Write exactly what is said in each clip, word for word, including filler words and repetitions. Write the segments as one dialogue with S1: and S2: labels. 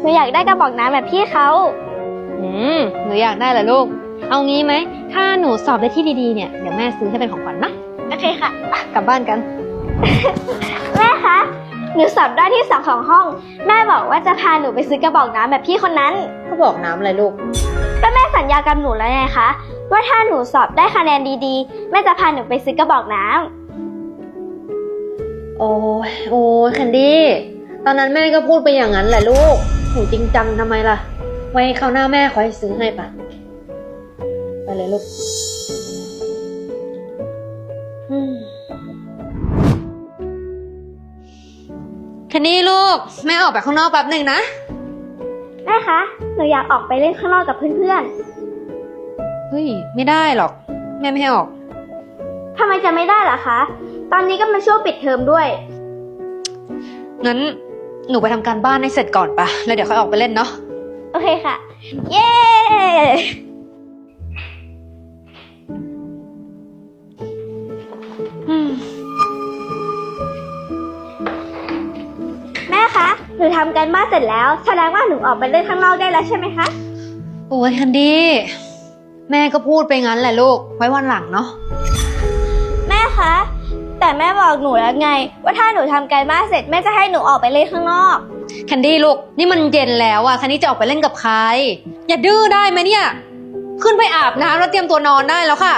S1: หนูอยากได้กระบอกน้ำแบบพี่เขา
S2: อืมหนูอยากได้เหรอลูกเอางี้ไหมถ้าหนูสอบได้ที่ดีๆเนี่ยเดี๋ยวแม่ซื้อให้เป็นของขวัญนะ
S1: โอเคค่ะ
S2: กลับบ้านกัน
S1: แม่คะหนูสอบได้ที่สองของห้องแม่บอกว่าจะพาหนูไปซื้อกระบอกน้ำแบบพี่คนนั้น
S2: เขาบอกน้ำอะไรลูก
S1: ก็แม่สัญญากับหนูแล้วไงคะว่าถ้าหนูสอบได้คะแนนดีๆแม่จะพาหนูไปซื้อกระบอกน้
S2: ำโอ้ยโอ้ยแคนดี้ตอนนั้นแม่ก็พูดไปอย่างนั้นแหละลูกหนูจริงจังทำไมล่ะไว้คราวหน้าแม่ขอให้ซื้อให้ปะไปเลยลูกแคนดี้ลูกแม่ออกไปข้างนอกแป๊บหนึ่งนะ
S1: แม่คะหนูอยากออกไปเล่นข้างนอกกับเพื่อน
S2: ๆเฮ้ยไม่ได้หรอกแม่ไม่ให้ออก
S1: ทำไมจะไม่ได้ล่ะคะตอนนี้ก็มาช่วงปิดเทอมด้วย
S2: งั้นหนูไปทำการบ้านให้เสร็จก่อนปะแล้วเดี๋ยวค่อยออกไปเล่นเนาะ
S1: โอเคค่ะเย้แม่คะหนูทำการบ้านเสร็จแล้วแสดงว่าหนูออกไปเล่นข้างนอกได้แล้วใช่ไหมคะ
S2: โอ้ยแคนดี้แม่ก็พูดไปงั้นแหละลูกไว้วันหลังเนาะ
S1: แม่คะแต่แม่บอกหนูแล้วไงว่าถ้าหนูทำการบ้านเสร็จแม่จะให้หนูออกไปเล่นข้างนอก
S2: แคนดี้ลูกนี่มันเย็นแล้วอะแคนดี้จะออกไปเล่นกับใครอย่าดื้อได้ไหมเนี่ยขึ้นไปอาบน้ำแล้วเตรียมตัวนอนได้แล้วค่ะ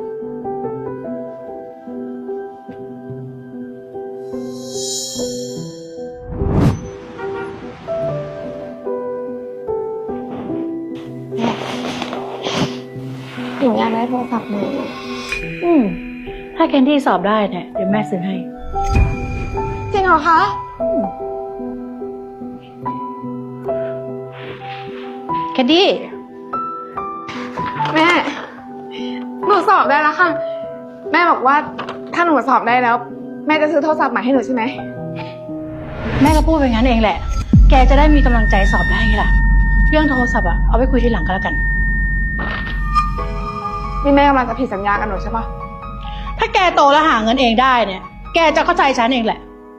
S1: หนูอยากได้โทรศัพท์ใหม่
S3: อืมถ้าแคนดี้สอบได้เนี่ยเดี๋ยวแม่ซื้อให้
S1: จริงเหรอคะ
S3: แคนดี้
S4: แม่หนูสอบได้แล้วค่ะแม่บอกว่าถ้าหนูสอบได้แล้วแม่จะซื้อโทรศัพท์ใหม่ให้หนูใช่ไหม
S3: แม่ก็พูดไปงั้นเองแหละแกจะได้มีกำลังใจสอบได้ไงล่ะเรื่องโทรศัพท์อะเอาไว้คุยทีหลังก็แล้วกัน
S4: นี่แม่กำลังจะผิดสัญญากับหนูใช่ปะ
S3: ถ้าแกโตแล้วหาเงินเองได้เนี่ยแกจะเข้าใจฉันเองแหละ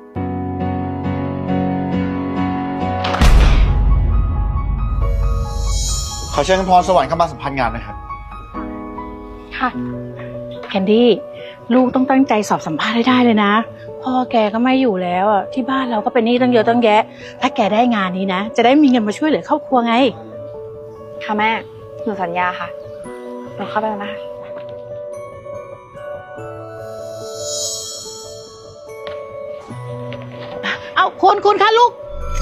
S5: ขอเชิญคุณพรสวรรค์เข้ามาสัมภาษณ์งานนะครับ
S3: ค่ะแคนดี้ลูกต้องตั้งใจสอบสัมภาษณ์ให้ได้เลยนะพ่อแกก็ไม่อยู่แล้วอ่ะที่บ้านเราก็เป็นหนี้ตั้งเยอะตั้งแยะถ้าแกได้งานนี้นะจะได้มีเงินมาช่วยเหลือครอบครัวไง
S4: ค่ะแม่หนูสัญญาค่ะหนูเข้าไปแล้วนะคะ
S3: เอาคุณคุณคะลูก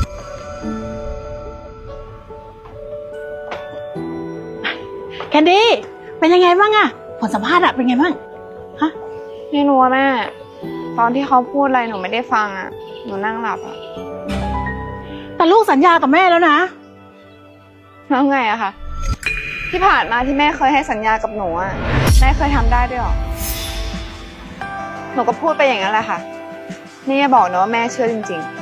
S3: แคนดี้เป็นยังไงบ้างอะผลสัมภาษณ์อะเป็นไงบ้างฮะ
S4: ไม่รู้ว่าแม่ตอนที่เขาพูดอะไรหนูไม่ได้ฟังอะหนูนั่งหลับอะ
S3: แต่ลูกสัญญากับแม่แล้วนะ
S4: แล้วไงอะคะที่ผ่านมาที่แม่เคยให้สัญญากับหนูอะแม่เคยทำได้ด้วยหรอหนูก็พูดไปอย่างนั้นแหละค่ะนี่อย่าบอกนะว่าแม่เชื่อจริงๆ